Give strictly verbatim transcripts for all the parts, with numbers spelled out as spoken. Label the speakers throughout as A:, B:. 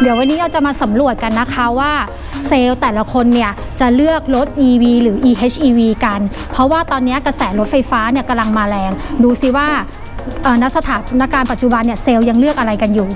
A: เดี๋ยววันนี้เราจะมาสำรวจกันนะคะว่าเซลล์แต่ละคนเนี่ยจะเลือกรถ อี วี หรือ อี เอช อี วี กันเพราะว่าตอนนี้กระแสรถไฟฟ้าเนี่ยกำลังมาแรงดูซิว่าณสถานการณ์ปัจจุบันเนี่ยเซลล์ยังเลือกอะไรกันอยู่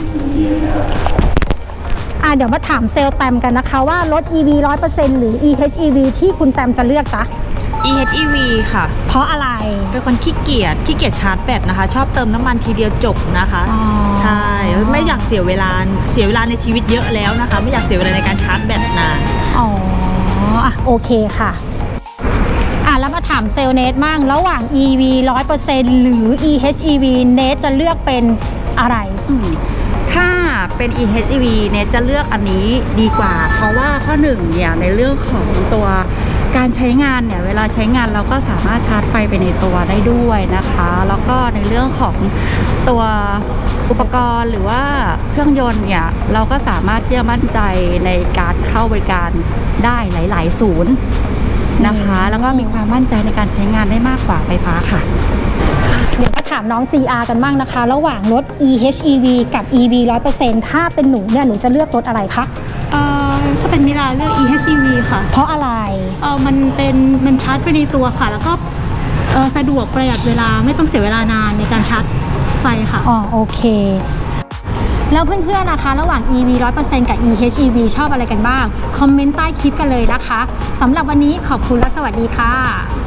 A: อ่ะเดี๋ยวมาถามเซลล์แตมกันนะคะว่ารถ อี วี ร้อยเปอร์เซ็นต์ หรือ อี เอช อี วี ที่คุณแตมจะเลือกจ๊ะ
B: อี เอช อี วี ค่ะ
A: เพราะอะไร
B: เป็นคนขี้เกียจขี้เกียจชาร์จแบตนะคะชอบเติมน้ำมันทีเดียวจบนะคะใช่ไม่อยากเสียเวลาเสียเวลาในชีวิตเยอะแล้วนะคะไม่อยากเสียเวลาในการชาร์จแบตนาน
A: อ๋ออ่ะโอเคค่ะอ่ะแล้วมาถามเซลล์เนทมั่งระหว่าง อี วี ร้อยเปอร์เซ็นต์ หรือ อี เอช อี วี เนทจะเลือกเป็นอะไร
C: ถ้าเป็น อี เอช อี วี เนี่ยจะเลือกอันนี้ดีกว่าเพราะว่าข้อหนึ่งเนี่ยในเรื่องของตัวการใช้งานเนี่ยเวลาใช้งานเราก็สามารถชาร์จไฟไปในตัวได้ด้วยนะคะแล้วก็ในเรื่องของตัวอุปกรณ์หรือว่าเครื่องยนต์เนี่ยเราก็สามารถที่จะมั่นใจในการเข้าบริการได้หลายๆศูนย์นะคะแล้วก็มีความมั่นใจในการใช้งานได้มากกว่าไฟฟ้าค่ะ
A: เดี๋ยวก็ถามน้อง ซี อาร์ กันบ้างนะคะระหว่างรถ อี เอช อี วี กับ อี วี ร้อยเปอร์เซ็นต์ ถ้าเป็นหนูเนี่ยหนูจะเลือกรถอะไรคะ
D: เอ่อถ้าเป็นมิลาเลือก อี เอช อี วี ค่ะ
A: เพราะอะไร
D: เออมันเป็นมันชาร์จไปในตัวค่ะแล้วก็เออสะดวกประหยัดเวลาไม่ต้องเสียเวลานานในการชาร์จไฟค่ะ
A: อ๋อโอเคแล้วเพื่อนๆนะคะระหว่าง อี วี ร้อยเปอร์เซ็นต์ กับ อี เอช อี วี ชอบอะไรกันบ้างคอมเมนต์ใต้คลิปกันเลยนะคะสำหรับวันนี้ขอบคุณและสวัสดีค่ะ